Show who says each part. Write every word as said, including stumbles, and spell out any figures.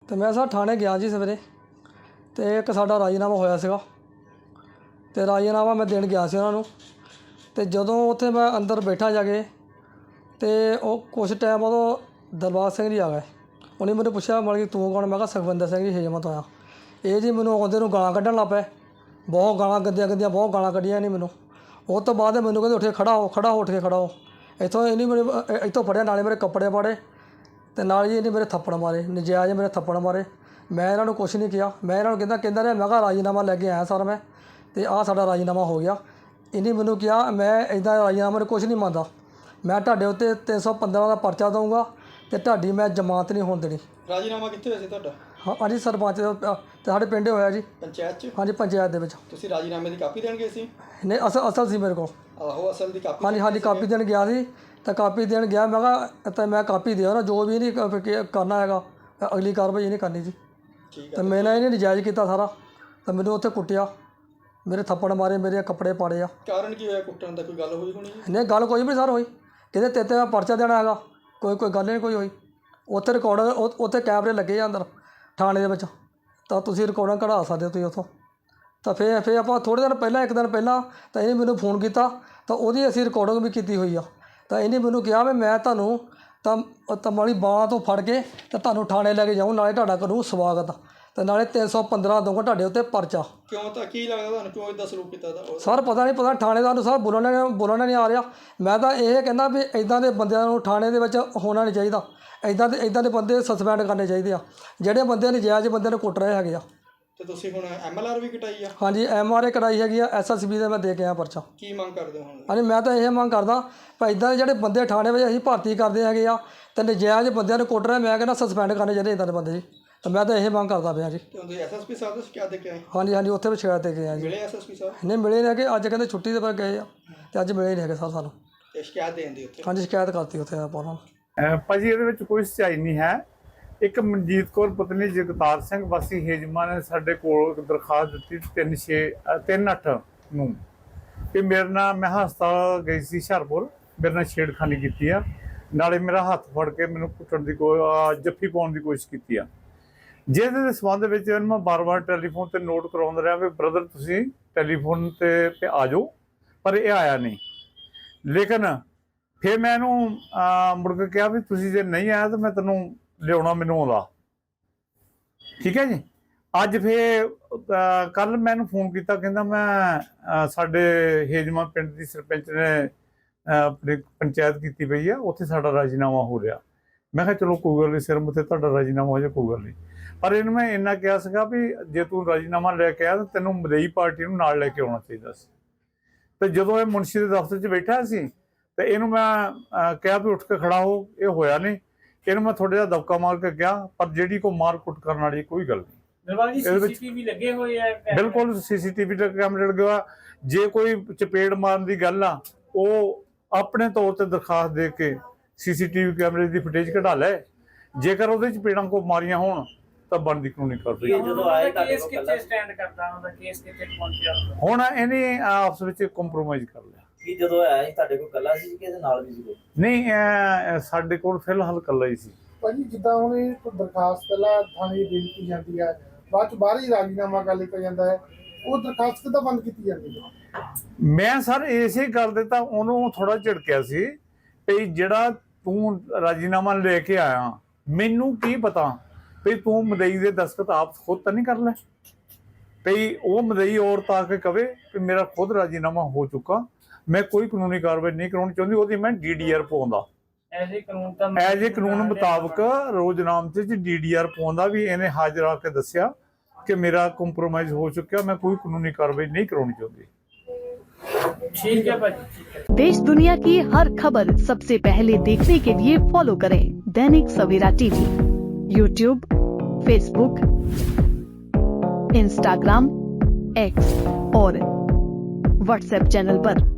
Speaker 1: तो मैं सर थाने गया जी सवेरे, तो एक साडा राजीनामा होया सीगा, तो राजीनामा मैं देन गया सी उन्हां नूं। ते जदों उत्थे मैं अंदर बैठा जाके, तो वो कुछ टाइम उदों दरबार सिंह जी आ गए। उन्हें मैंने पूछा मतलब कि तू कौन? मैं कहा सुखविंदर सिंह जी हिजमत होया। ये जी मैनूं आउंदे नूं गालां कड्ढण लग पे, बहुत गालां गंदियां गंदियां बहुत गालां कड्ढियां इन्हें मैनूं। उस तो बाद मैनूं कहंदे उठ के खड़ा हो, खड़ा हो, उठ के खड़ा हो। इत्थों इन्हें मेरे इत्थों फड़िया, नाले मेरे कपड़े पाड़े, तो नाल जी इन्हें मेरे थप्पड़ मारे, नजायज़ मेरे थप्पड़ मारे। मैं इन्होंने कुछ नहीं किया, मैं इन्होंने कहता कहता रहा मैं कहा राजीनामा लैके आया सर मैं, तो आ साडा राजीनामा हो गया। इन्हें मैनूं कहा मैं इदा राजीनामा कुछ नहीं मनदा, मैं तुहाडे उत्ते तीन सौ पंद्रह का परचा दूँगा, तो तुहाडी मैं जमानत नहीं होण देनी।
Speaker 2: राजीनामा कित्थे होया सी तुहाडा?
Speaker 1: हाँ हाँ जी, सरपंच ते साडे पिंड होया जी,
Speaker 2: पंचायत च?
Speaker 1: हाँ जी पंचायत दे विच।
Speaker 2: तुसीं राजीनामे दी कापी देण गए सी?
Speaker 1: नहीं असल असल सी मेरे को।
Speaker 2: आहो असल दी कापी?
Speaker 1: हाँ जी हाँ जी, कापी देन गया सी, तो कापी देन गया, मैं कहा तो मैं कापी दिया ना, जो भी नहीं करना हैगा अगली कार्रवाई नहीं करनी जी।
Speaker 2: ठीक
Speaker 1: तो
Speaker 2: है।
Speaker 1: मैंने इन्हें नजायज़ किया सारा, तो मैंने उत्थे कुटिया, मेरे थप्पड़ मारे, मेरे कपड़े पाड़े आ।
Speaker 2: कारण की होया कुट्टण दा? कोई गल होई होनी है?
Speaker 1: नहीं गल कोई भी सर होई, कहते तेरे ते मैं परचा देना हैगा, कोई कोई गल नहीं कोई होई। उत्थे रिकॉर्ड उत्थे कैमरे लगे अंदर थाने दे विच, तो तुसीं रिकॉर्डिंग कढा सकदे हो तुसीं उत्थों। तो फिर फिर आप थोड़े दिन पहला एक दिन पहला तो इन्हें मैनूं फोन किया, तो वो असीं रिकॉर्डिंग भी की हुई आ। तो इन्हें मैनूं कहा भी मैं तुहानूं तो तमाली बांह तो फड़ के तो तुहानूं थाने लैके जाऊँ, नाले तुहाडा करूँ स्वागत, तो नाले तीन सौ पंद्रह दूँगा तुहाडे उत्ते परचा।
Speaker 2: क्यों तो की लगदा तुहानूं क्यों इदां सलूक कीता दा?
Speaker 1: सर पता नहीं पता थानेदार सर बोलना बोलना नहीं आ रहा। मैं तो ये कहना भी इदां दे बंदिਆਂ ਨੂੰ थाने ਦੇ ਵਿੱਚ होना नहीं चाहिए, इदां दे इदां दे बंदे सस्पेंड करने चाहिए आ ਜਿਹੜੇ ਬੰਦੇ ਨਜਾਇਜ਼ ਬੰਦੇ ਨੂੰ ਕੁੱਟ ਰਹੇ ਹੈਗੇ ਆ।
Speaker 2: ਤੇ ਤੁਸੀਂ ਹੁਣ ਐਮ ਐਲ ਆਰ ਵੀ ਕਟਾਈ ਆ?
Speaker 1: हाँ जी एम आर ए कटाई हैगी आ, एस एस बी ਦੇ मैं दे के आया परचा।
Speaker 2: ਕੀ ਮੰਗ ਕਰਦੇ ਹੋ ਹੁਣ?
Speaker 1: हाँ जी मैं तो ये मंग करदा भाई इदां दे ਜਿਹੜੇ ਬੰਦੇ थाने ਵਿੱਚ ਅਸੀਂ ਭਰਤੀ ਕਰਦੇ ਹੈਗੇ ਆ ਤੇ ਨਜਾਇਜ਼ ਬੰਦਿਆਂ ਨੂੰ ਕੁੱਟ ਰਹੇ, ਮੈਂ ਕਹਿੰਦਾ ਸਸਪੈਂਡ ਕਰਨੇ ਚਾਹੀਦੇ इदां ਦੇ ਬੰਦੇ ਜੀ। तो मैं तो यही मंग करता पिया जी।
Speaker 2: ਤੇ ਉਹਦੇ ਐਸ ਐਸ ਪੀ ਸਾਹਿਬ ਤੋਂ ਸ਼ਿਕਾਇਤ ਦੇ ਕੇ ਆਏ?
Speaker 1: हाँ जी हाँ जी, उत्थे भी शिकायत दे के आए जी।
Speaker 2: ਮਿਲੇ ਐਸ ਐਸ ਪੀ ਸਾਹਿਬ?
Speaker 1: नहीं मिले नहीं है, अज कहते छुट्टी ते पर गए आ, ते अज मिले नहीं है सर सानूं।
Speaker 2: ਤੇ ਸ਼ਿਕਾਇਤ ਦੇਣ ਦੀ ਉੱਥੇ?
Speaker 1: हाँ जी शिकायत करती उत्थे आप उन्होंने।
Speaker 3: ਅਹ ਭਾਜੀ ਇਹਦੇ ਵਿੱਚ ਕੋਈ ਸੱਚਾਈ ਨਹੀਂ ਹੈ। ਇੱਕ ਮਨਜੀਤ ਕੌਰ ਪਤਨੀ ਜਗਤਾਰ ਸਿੰਘ ਵਾਸੀ ਹੇਜਮਾ ਨੇ ਸਾਡੇ ਕੋਲ ਇੱਕ ਦਰਖਾਸਤ ਦਿੱਤੀ ਤਿੰਨ ਛੇ ਤਿੰਨ ਅੱਠ ਨੂੰ ਕਿ ਮੇਰੇ ਨਾਲ ਮੈਂ ਹਸਪਤਾਲ ਗਈ ਸੀ ਹੁਸ਼ਿਆਰਪੁਰ, ਮੇਰੇ ਨਾਲ ਛੇੜਖਾਨੀ ਕੀਤੀ ਆ, ਨਾਲੇ ਮੇਰਾ ਹੱਥ ਫੜ ਕੇ ਮੈਨੂੰ ਕੁੱਟਣ ਦੀ ਕੋਈ ਜੱਫੀ ਪਾਉਣ ਦੀ ਕੋਸ਼ਿਸ਼ ਕੀਤੀ ਆ, ਜਿਹਦੇ ਦੇ ਸੰਬੰਧ ਵਿੱਚ ਇਹਨੂੰ ਮੈਂ ਬਾਰ-ਬਾਰ ਟੈਲੀਫੋਨ ਤੇ ਨੋਟ ਕਰਾਉਂਦਾ ਰਿਹਾ ਵੀ ਬ੍ਰਦਰ ਤੁਸੀਂ ਟੈਲੀਫੋਨ ਤੇ ਆ ਜਾਓ, ਪਰ ਇਹ ਆਇਆ ਨਹੀਂ। ਲੇਕਿਨ ਫਿਰ ਮੈਂ ਇਹਨੂੰ ਮੁੜ ਕੇ ਕਿਹਾ ਵੀ ਤੁਸੀਂ ਜੇ ਨਹੀਂ ਆਇਆ ਤਾਂ ਮੈਂ ਤੈਨੂੰ ਲਿਆਉਣਾ ਮੈਨੂੰ ਆਉਂਦਾ, ਠੀਕ ਹੈ ਜੀ। ਅੱਜ ਫਿਰ ਕੱਲ ਮੈਂ ਇਹਨੂੰ ਫੋਨ ਕੀਤਾ, ਕਹਿੰਦਾ ਮੈਂ ਸਾਡੇ ਹੇਜਮਾ ਪਿੰਡ ਦੀ ਸਰਪੰਚ ਨੇ ਆਪਣੀ ਪੰਚਾਇਤ ਕੀਤੀ ਪਈ ਆ, ਉੱਥੇ ਸਾਡਾ ਰਾਜੀਨਾਮਾ ਹੋ ਰਿਹਾ। ਮੈਂ ਕਿਹਾ ਚਲੋ ਕੋਈ ਗੱਲ ਨਹੀਂ, ਸਿਰ ਮੁੱਤੇ ਤੁਹਾਡਾ ਰਾਜੀਨਾਮਾ ਹੋ ਜਾਏ ਕੋਈ ਗੱਲ ਨਹੀਂ, ਪਰ ਇਹਨੂੰ ਮੈਂ ਇੰਨਾ ਕਿਹਾ ਸੀਗਾ ਵੀ ਜੇ ਤੂੰ ਰਾਜੀਨਾਮਾ ਲੈ ਕੇ ਆਇਆ ਤਾਂ ਤੈਨੂੰ ਮਦਈ ਪਾਰਟੀ ਨੂੰ ਨਾਲ ਲੈ ਕੇ ਆਉਣਾ ਚਾਹੀਦਾ ਸੀ। ਤੇ ਜਦੋਂ ਇਹ ਮੁਨਸ਼ੀ ਦੇ ਦਫ਼ਤਰ 'ਚ ਬੈਠਾ ਸੀ ਤੇ ਇਹਨੂੰ ਮੈਂ ਕਿਹਾ ਵੀ ਉੱਠ ਕੇ ਖੜਾ ਹੋ, ਇਹ ਹੋਇਆ ਨਹੀਂ। ਇਹਨੂੰ ਮੈਂ ਥੋੜ੍ਹਾ ਜਿਹਾ ਦਬਕਾ ਮਾਰ ਕੇ ਗਿਆ, ਪਰ ਜਿਹੜੀ ਕੋਈ ਮਾਰ ਕੁੱਟ ਕਰਨ ਵਾਲੀ ਕੋਈ ਗੱਲ ਨਹੀਂ।
Speaker 4: ਸੀਸੀਟੀਵੀ ਲੱਗੇ ਹੋਏ ਆ?
Speaker 3: ਬਿਲਕੁਲ ਸੀਸੀਟੀਵੀ ਦਾ ਕੈਮਰੇ ਲੱਗੇ ਹੋਇਆ। ਜੇ ਕੋਈ ਚਪੇੜ ਮਾਰਨ ਦੀ ਗੱਲ ਆ, ਉਹ ਆਪਣੇ ਤੌਰ ਤੇ ਦਰਖਾਸਤ ਦੇ ਕੇ ਸੀਸੀਟੀਵੀ ਕੈਮਰੇ ਦੀ ਫੁਟੇਜ ਕਢਾ ਲੈ, ਜੇਕਰ ਉਹਦੇ ਚਪੇੜਾਂ ਕੋ ਮਾਰੀਆਂ ਹੋਣ ਤਾਂ ਬਣਦੀ ਕਾਨੂੰਨੀ ਕਾਰਵਾਈ। ਹੁਣ ਇਹਨੇ ਆਪਸ ਵਿੱਚ ਕੰਪਰੋਮਾਈਜ਼ ਕਰ ਲਿਆ।
Speaker 5: ਕੀ ਜਦੋਂ ਆਇਆ ਸੀ ਤੁਹਾਡੇ ਕੋਲ ਕੱਲਾ ਸੀ ਕਿ ਇਹਦੇ ਨਾਲ ਵੀ ਸੀ ਕੋਈ?
Speaker 3: ਨਹੀਂ ਸਾਡੇ ਕੋਲ ਫਿਲਹਾਲ ਕੱਲਾ ਹੀ ਸੀ।
Speaker 6: ਭਾਜੀ ਜਿੱਦਾਂ ਹੁਣ ਇਹ ਦਰਖਾਸਤ ਪਹਿਲਾਂ ਥਾਣੇ ਦੀ ਦੇ ਦਿੱਤੀ ਜਾਂਦੀ ਹੈ, ਬਾਅਦ ਚ ਬਾਹਰ ਹੀ ਰਾਜੀਨਾਮਾ ਕਰ ਲਿਆ ਜਾਂਦਾ ਹੈ, ਉਹ ਦਰਖਾਸਤ ਕਿੱਦਾਂ ਬੰਦ ਕੀਤੀ ਜਾਂਦੀ ਹੈ?
Speaker 3: ਮੈਂ ਸਰ ਇਸੇ ਗੱਲ ਦੇ ਤਾਂ ਉਹਨੂੰ ਥੋੜਾ ਝਿੜਕਿਆ ਸੀ ਵੀ ਜਿਹੜਾ ਤੂੰ ਰਾਜੀਨਾਮਾ ਲੈ ਕੇ ਆਇਆ, ਮੈਨੂੰ ਕੀ ਪਤਾ ਵੀ ਤੂੰ ਮਦਈ ਦੇ ਦਸਤਖਤ ਆਪ ਖੁਦ ਤਾਂ ਨਹੀਂ ਕਰ ਲੈ, ਵੀ ਉਹ ਮਦਈ ਔਰਤ ਆ ਕੇ ਕਵੇ ਕਿ ਮੇਰਾ ਖੁਦ ਰਾਜੀਨਾਮਾ ਹੋ ਚੁੱਕਾ, ਮੈਂ ਕੋਈ ਕਾਨੂੰਨੀ ਕਾਰਵਾਈ ਨਹੀਂ ਕਰਾਉਣੀ ਚਾਹੁੰਦੀ, ਉਹਦੀ ਮੈਂ ਡੀ ਡੀ ਆਰ ਪਾਉਂਦਾ ਐਜ ਏ ਕਾਨੂੰਨ ਮੁਤਾਬਕ ਰੋਜ਼ਨਾਮੇ 'ਚ ਡੀ ਡੀ ਆਰ ਪਾਉਂਦਾ ਵੀ ਇਹਨੇ ਹਾਜ਼ਰ ਆ ਕੇ ਦੱਸਿਆ ਕਿ ਮੇਰਾ ਕੰਪਰੋਮਾਈਜ਼ ਹੋ चुका, मैं कोई कानूनी कार्रवाई नहीं करवानी चाहती।
Speaker 4: ठीक है भाई।
Speaker 7: देश दुनिया की हर खबर सबसे पहले देखने के लिए फॉलो करें Dainik Savera TV, YouTube, Facebook, Instagram, X और व्हाट्सएप चैनल पर।